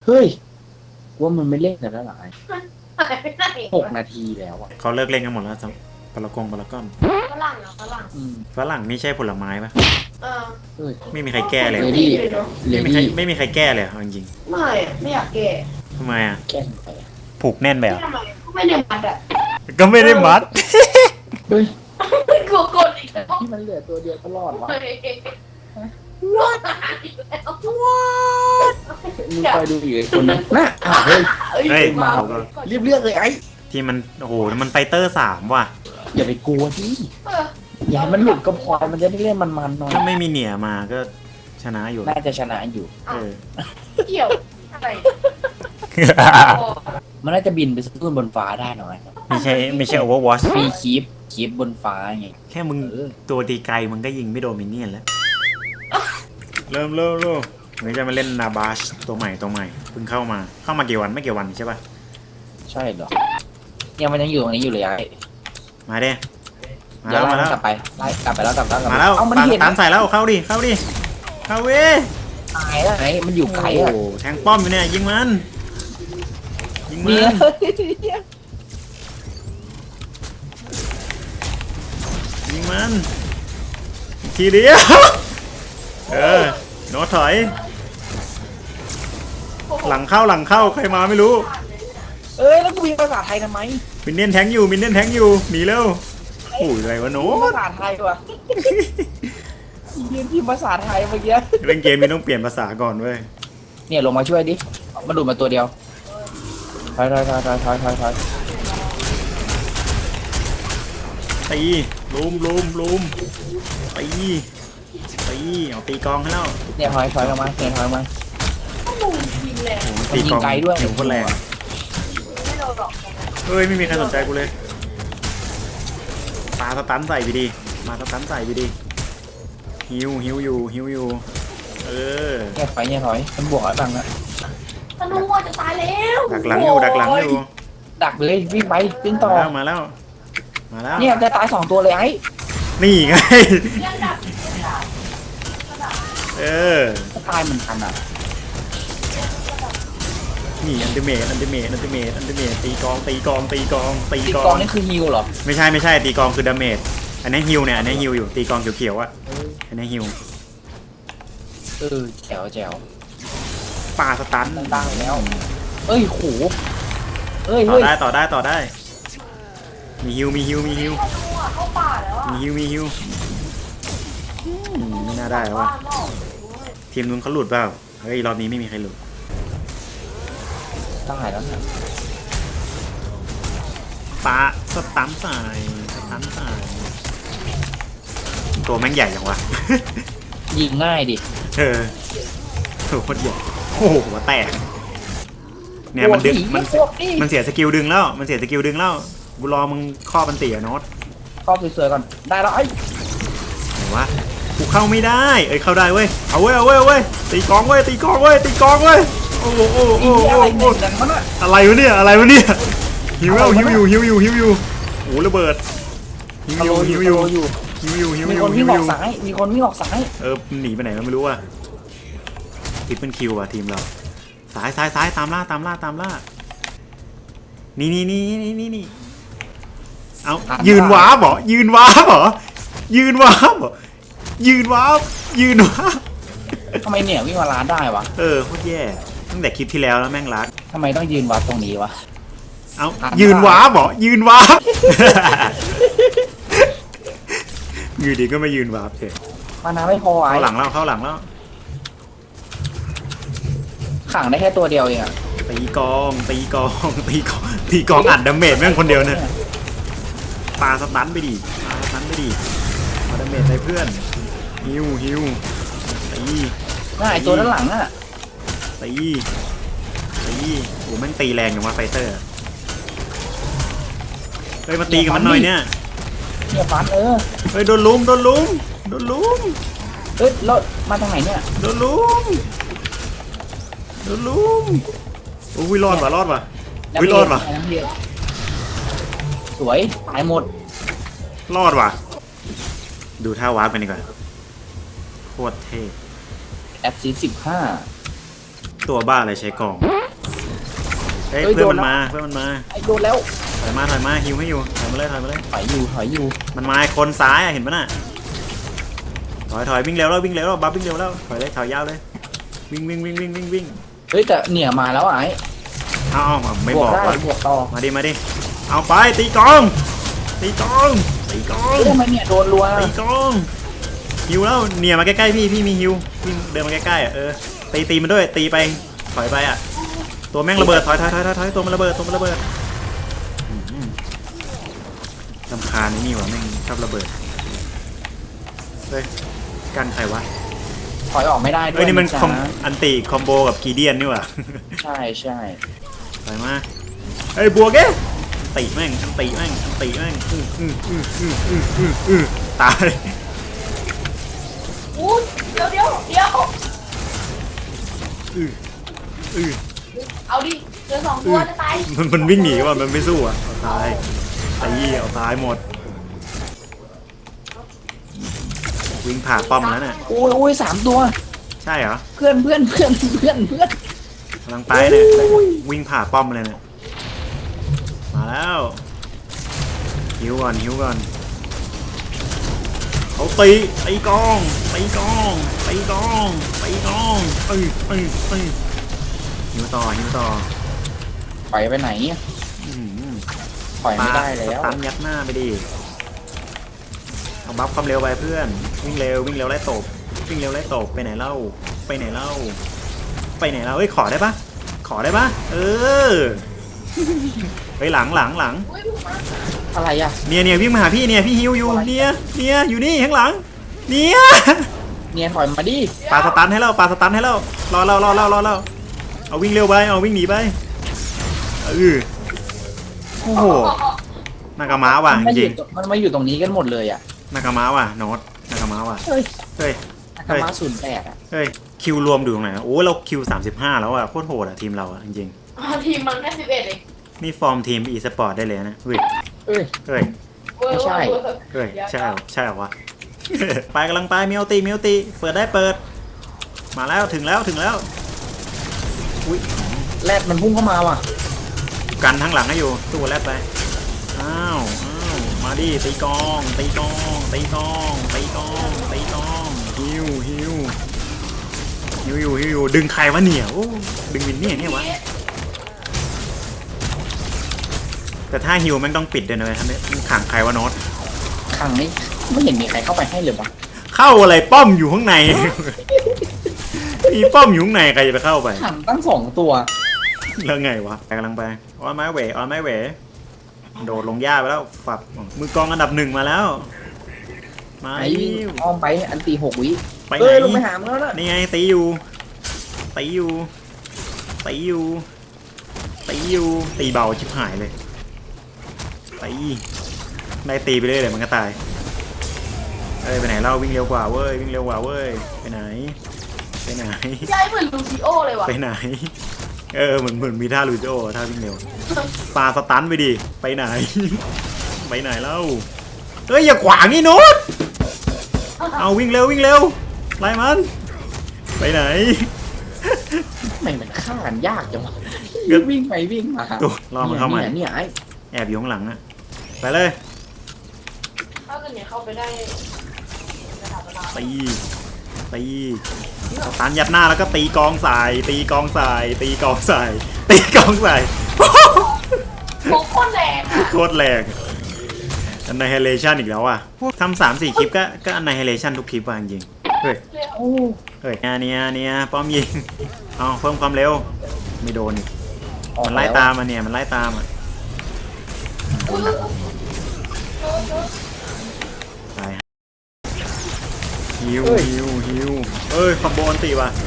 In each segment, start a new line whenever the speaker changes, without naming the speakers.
เฮ้ยว่ามันไม่เล่นกันแล้วหรอไอ้
หายไปไหน
6 นาทีแล้วอ่ะ
เขาเลิกเล่นกันหมดแล้วจังปลากงปลาก้อน
ฝรั่งเหรอฝรั่ง
ฝรั่งนี่ใช่ผลไม้ปะ
เออ
เฮ้ย
ไม่มีใครแก้เลย
เลดี้ เล
ไม่มีใคร
ดี้
ไม่มีใครแก้เลยเอาจริง
ไม่อะไม่อยากแก่
ๆทำไมอ่ะ
แก้ไปอะ
ผูกแน่นไป
ไม่
อ่ะ
ทำไมก็ไม่ได้มัดอ่ะ
ก็ไม่ได้มัด
เฮ้ย
กลัวกดอีกแล้ว
ที่มันเหลือตัวเดียวตลอดวะ
เฮ้ยรอดตายอีกแล้ว
มึงคอยดูอีกไอ้คนนั้นน่ะอ้าวเฮ้ย
เฮ้ย
มา
เขาก็
เรียบเรียกเลยไอ้
ที่มันโอ้โหมันไฟเตอร์3ว่ะ
อย่าไปกลัวที่
เออ
อย่าให้มันหลุดก็พอมันจะได้เล่นมันๆหน่อย
ถ้าไม่มีเหนียมาก็ชนะอยู่
น่าจะชนะอยู่
เออ
เกี่ยวอะไร
มันน่าจะบินไปสู้บนฟ้าได้หน่อย
ไม่ใช่ Overwatch
มีคีบบนฟ้าไง
แค่มึง
เออ
ตัวตีไกลมึงก็ยิงไม่โดนมินเนี่ยนแล้ว เริ่มวันนี้จะมาเล่นนาบาชตัวใหม่เพิ่งเข้ามากี่วันไม่กี่วันใช่ป่ะ
ใช่เหรอเนี่ยมันยังอยู่ตรงนี้อยู่เลยไอ้
มาเด้มา
อย่า
แล้ว
ไล่
มาแล้ว
กลับไปไล่กลับไปแล้วกลับแล้ว
มาแล้ว
เอามัน
ปา
เห็น
ตามใส่แล้วเข้าดิเข้าเว้ย
ตายแล้วไอ้มันอยู่ไกลอ่ะ
โอ้โหแทงป้อมอยู่เนี่ยยิงมันยิงมั
เนี่ย
นยิงมันอีกทีเดียวโน้ตถอยหลังเข้าใครมาไม่รู้
เอ้ยแล้วกูพิมพ์ภาษาไทยทำไม
มินเนี่ยนแทงอยู่หนีเร็วโอ้ยอะไรวะโน้
ภา
ต
ษาไทยวะยืนพิมพ์ภาษาไทยเมื่อกี้
เล่นเกมนี้ต้องเปลี่ยนภาษาก่อนเว้ย
เนี่ยลงมาช่วยดิมาดูดมาตัวเดียวถอย
ตีลุมตีเอาตีกองให้แล้ว
เนี่ยถอยออกมาเนี่ยถอยออกมา
ก็มุงยิงแรง
โอ้โห
มันยิงไกลด้วย
หิวคนแรง
ไม่โดนหรอก
เฮ้ยไม่มีใครสนใจกูเลยปาสตันใส่ไปดิมาสตันใส่ไปดิหิวอยู่เออ
เนี่ยถอยมันบวกอะไรบ้างนะ
ธนูอะจะตายแล้ว
ดักหลังอยู่
ดักเลยวิ่งไปวิ่งต่อ
มาแล้ว
เนี่ยจะตาย2ตัวเลยไอ้
นี่ไง
ยังดับ
เออ
จะตายเหมือนกันอ่ะ
นี่อันติเมตตีกอง
ตีกองนี่คือฮิวเหรอ
ไม่ใช่ตีกองคือดาเมจอันนี้ฮิวเนี่ยอันนี้ฮิวอยู่ตีกองเขียวๆอ่ะอันนี้ฮิว
แจ๋ว
ปาสตัน
ตั้งแล้วเอ้ยโหเฮ้ย
ต่อได้มีฮิว
ธนูอะเข้าป่าแล้วอะ
มีฮิวไม่น่าได้แล้วว่ะ
บ้านนอก
ทีมนู้นเขาหลุดเปล่าเฮ้ยรอบนี้ไม่มีใครหลุด
ตายแล้วเนี่ย
ปาสตันใส่ตัวแม่งใหญ่จังวะ
ยิงง่ายดิ
ตัวโคตรใหญ่โอ้โหหัวแตกเนี่ยมันดึงมันเสียสกิลดึงแล้วกูรอมึงข้อมันตีอะโน็อต
ครอบสวยๆก่อนได้แล้วไอ้
ไหนวะกูเข้าไม่ได้เข้าได้เว้ยเอาเว้ยตีกองเว้ยโอ้โห
อะไรเนี่ยดังมันอ่ะ
อะไรวะเนี่ยหิวอยู่โอ้ระเบิดหิวอยู่
มีคนวิ่งออกซ้าย
หนีไปไหนก็ไม่รู้อ่ะทิปเป็นคิวอ่ะทีมเราซ้ายตามล่านี่เอายืนว้าบเหรอ
ทำไมเนี่ยวิ่งมาร้านได้วะ
โคตรแย่ตั้งแต่คลิปที่แล้วแม่งรัก
ทำไมต้องยืนวัดตรงนี้วะ
เอายืนว้าบเหรอยืนดีก็ไม่ยืนว้าบเถอะ
มานาไม่พอไอ้
เข้าหลังแล้ว
ขังได้แค่ตัวเดียวเองอะ
ตีกองอัดดาเมจแม่งคนเดียวเนี่ยปาสตันไปดิเอาดาเมจใส่เพื่อนฮิวตี
น่าไอตัวด้านหลังอะ
โอ้แม่งตีแรงอย่างว่าไฟเตอร์เฮ้ยมาตีกับมันหน่อยเนี่ย
เนี่ยฟัน
เฮ้ยโดนลุม
เฮ้ยรถมาทางไหนเนี่ย
โดนลุมโอ้ยรอดว่ะ
สวยตายหมด
รอดว่ะดูท่าวาร์ปกันดีกว่าโคตรเท่
แอปซี15
ตัวบ้าอะไรใช้กองเฮ้ย
เฮ้ย
เพื่อน
โด
มัน น
แล้ว
มาเพื่อนมันมา
ไอ้โดนแล้ว
ถอยมาฮิวให้อยู่ถอยมาเลยถอยมาเลย
ถอยอยู่
มันมาไอ้คนซ้ายอะเห็นปะน่ะถอยวิ่งเร็วแล้วบัฟวิ่งเร็วแล้วถอยเลยถอยยาวเลยวิ่ง
เฮ้ยแต่เนี่ยมาแล้วไอ้
เอาไม่
บบ ว
อก ก
ได้
ว่า
บวกต่อ
มาดิเอาไปตีกอง
เฮ้ยทำไมเนี่ยโดนรัว
ตีกองฮิวแล้วเนี่ยมาใกล้ๆพี่มีฮิววิ่งเดินมาใกล้ๆอ่ะตีมันด้วยตีไปถอยไปอ่ะตัวแม่งระเบิดถอยตัวมันระเบิดลำคาญนี่วะแม่งชอบระเบิดเฮ้ยกันใครวะ
ถอยออกไม่ได้ด้วย
เอ้ยนี่มัน
จ้า
อันติคอมโบกับกีเดียนนี่หว่า
ใช่
ถอยมาเฮ้ยบวกเอ๊ะตีแม่งตาย
อู้เดี๋ยวเอาดิเหลือ2 ตัวจะตาย
มันวิ่งหนีว่ะมันไม่สู้อ่ะเอาตายเอาตายหมดวิ่งผ่าป้อมแล้วเนี่ย
โอ้ย3 ตัว
ใช่เหรอ
เพื่อน
กำลังไปเนี่ยวิ่งผ่าป้อมเลยเนี่ยมาแล้วหิวก่อนเขาตีกองหิวต่อ
ถอยไปไหนถอยไม่ได้แล้ว
สตันยัดหน้าไปดิเอาบัฟความเร็วไปเพื่อนวิ่งเร็วไล่ตบไปไหนเล่าเฮ้ยขอได้ปะไปหลัง
อุ้ยถูกมา
อะไรอ่ะ
เนี่ยวิ่งมาหาพี่เนี่ยพี่ฮิวอยู่เนี่ยอยู่นี่ข้างหลังเนี่ย
เนี่ยถอยมาดิ
ปาสตันให้เรารอเราเอาวิ่งเร็วไปเอาวิ่งหนีไปโอ้โหนากาม้าว่ะจริง
มันมาอยู่ตรงนี้กันหมดเลยอ่ะ
นากาม้าว่ะโน้ตนากาม้าว่ะ
เฮ้ย
เฮ้ย
ธรรมะ08อ่ะ
คิวรวมดูตรงไหนโอ้เราคิว35แล้วอ่ะโคตรโหดอ่ะทีมเราอ่ะจริง
ทีมมันแค่11เอง
ๆนี่ฟอร์มทีมอีสปอร์ตได้เลยนะเฮ้ย
เอ้ย ไม่ใช่
ใช่เหรอวะ ไปกำลังไปเมียวตีเปิดได้เปิดมาแล้วถึงแล้วอุ้ย
แรดมันพุ่งเข้ามาว่ะ
กันทั้งหลังให้อยู่สู้แรดไปอ้าวมาดิตีกองฮิวอยู่ดึงใครวะเนี่ยโอ้ดึงวินเนี่ยวะแต่ถ้าฮิวมันต้องปิดด้วยนะเว้ยทำไมขังใครวะโน้ต
ขังนี่ไม่เห็นมีใครเข้าไปให้เลยวะ
เข้าอะไรป้อมอยู่ข้างใน มีป้อมอยู่ข้างในใครจะไปเข้าไป
ขังตั้ง2 ตัว
แล้วไงวะกำลังไปออนไม้เวโดดลงหญ้าไปแล้วฝับมือกองอันดับ1มาแล้วมา
ไอ้อ้อมไปอันตี6 วิ
ไปไห
เอ้ยลงไป
น
หามันแล้วนะ
นี่ไงตีอยู่ตีเบาชิบหายเลยได้ตีไปเลยเดี๋ยวมันก็ตายไปไหนเล่าวิ่งเร็วกว่าเว้ยไปไหน
ใช่เหมือนลูซิโอเลยว่ะ
ไปไหนเหมือนมีท่าลูโจท่าวิ่งเร็วปาสตันไปดิไปไหนเล่าเฮ้ยอย่าขวางนี่โน้ตเอาวิ่งเร็วไล่มันไปไหน
ทำไมมันฆ่ากันยากจังวะวิ่งไปวิ่งมา
ตัวรอมันเข้ามา
เนี่ยไอ้
แอบอยู่ข้างหลังอะไปเลย
ถ้าเกิดเนี่ยเข้าไปได้ระดับเวลา
ตีสตันยัดหน้าแล้วก็ตีกองใส่
โคตรแรงอ่ะ
โคตรแรงอันไนเฮเลชันอีกแล้วอ่ะทำ3-4 คลิปก็อันไนเฮเลชันทุกคลิปว่ะจริงเฮ้ยเนี่ยป้อมยิงเอาเพิ่มความเร็วไม่โดนอีกมันไล่ตามอ่ะตายฮิวคอมโบนตีว่ะ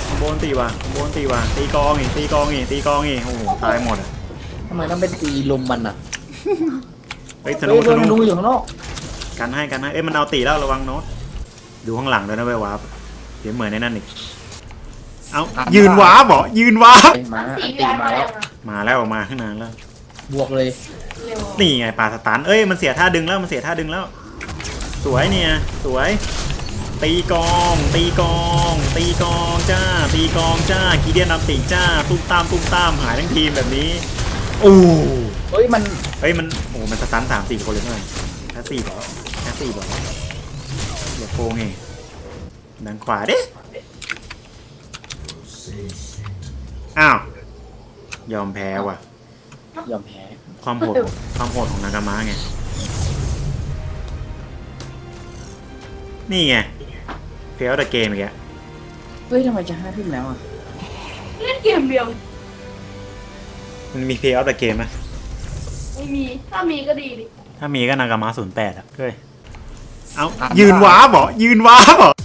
ตีกองอีกโอ้โหตายหมดอ่ะ
ทำไมต้องเป็นตีลมมันอ่ะ
เฮ้ยธ
เฮ้ยโดน
นู
อยู่ข้างนอก
กันให้มันเอาตีแล้วระวังโน้ตดูข้างหลังด้วยนะเว้ยวาร์ปเดี๋ยวเหมือนในนั่นอีกเอายืนวาร์ปเหรอ
มาอัน
ตี
ตี
ได้
มาแล้ว
มาแล้วออกมาข้างนานแล้ว
บวกเลย
เร็ว
นี่ไงปลาสตันมันเสียท่าดึงแล้วสวยเนี่ยสวยตีกองตีกองตีกองจ้าตีกองจ้ากีเดียนนำติจ้าตุ้มตามหายทั้งทีมแบบนี้โอ้
เฮ้ยมัน
เฮ้ยมันโอ้มันสตัน3-4 คนเลยเท่าไหร่แค่4เหรอแค่4เหรอเหลือโกงไงดังขวาดิอ้าวยอมแพ้ว่ะ
ยอมแพ้
ความโหดของนากามะไงนี่ไงเพลย์เอาแต่เกมอีกแล้ว
เฮ้ยทำไมจะ5 ทุ่มแล้วอ่ะ
เล่นเกมเดียว
มันมีเพลย์เอาแต่เกมไหม
ไม่มีถ้ามีก็ดีดิ
ถ้ามีก็นากามะ08อ่ะเฮ้ยเอายืนว้าบเหรอยืนว้าบเหรอ